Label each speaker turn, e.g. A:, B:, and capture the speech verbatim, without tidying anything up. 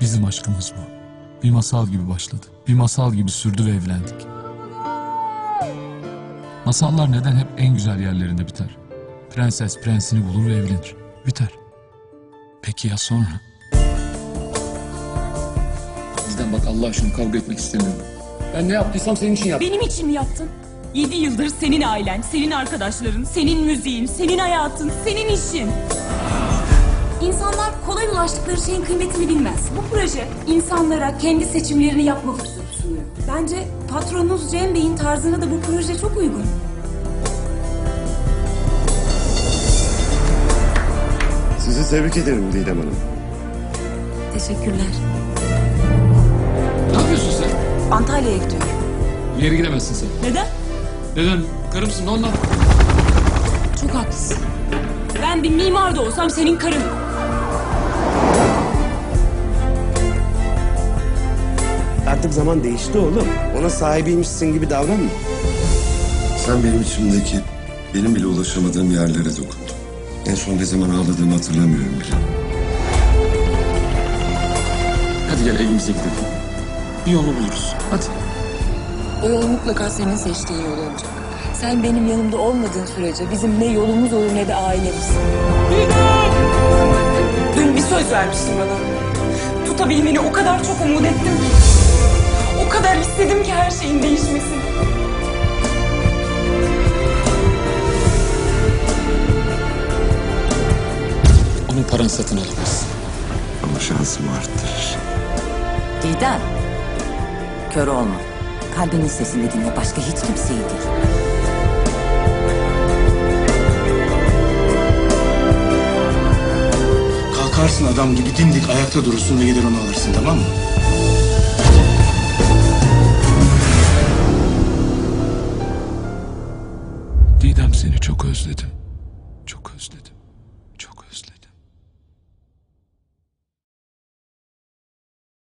A: Bizim aşkımız bu. Bir masal gibi başladı. Bir masal gibi sürdü ve evlendik. Masallar neden hep en güzel yerlerinde biter? Prenses prensini bulur ve evlenir. Biter. Peki ya sonra? Bizden bak, Allah aşkına kavga etmek istemiyorum. Ben ne yaptıysam senin için yaptım.
B: Benim için mi yaptın? Yedi yıldır senin ailen, senin arkadaşların, senin müziğin, senin hayatın, senin işin. İnsanlar kolay ulaştıkları şeyin kıymetini bilmez. Bu proje insanlara kendi seçimlerini yapma fırsatı sunuyor. Bence patronunuz Cem Bey'in tarzına da bu proje çok uygun.
C: Sizi tebrik ederim Didem Hanım.
B: Teşekkürler.
A: Ne yapıyorsun sen?
B: Antalya'ya gidiyorum.
A: Bir yere gidemezsin sen.
B: Neden?
A: Neden? Karımsın ondan.
B: Çok haklısın. Ben bir mimar da olsam senin karın.
C: Artık zaman değişti oğlum. Ona sahibiymişsin gibi davranma.
D: Sen benim içimdeki, benim bile ulaşamadığım yerlere dokundun. En son ne zaman ağladığımı hatırlamıyorum bile.
A: Hadi gel evimize gidelim. Bir yolunu buluruz. Hadi.
E: O yol mutlaka senin seçtiğin yol olacak. Sen benim yanımda olmadığın sürece bizim ne yolumuz olur ne de ailemiz.
B: Dün bir söz vermiştin bana. Tutabilmeni o kadar çok umut ettim ki. O kadar istedim ki her şeyin değişmesini.
A: Onun paranı satın alamazsın.
D: Ama şansımı arttırır.
E: Didem, kör olma. Kalbinin sesini dinle, başka hiç kimseyi değil.
F: Kalkarsın adam gibi dimdik ayakta durursun ve gider onu alırsın, tamam mı?
A: Didem, seni çok özledim.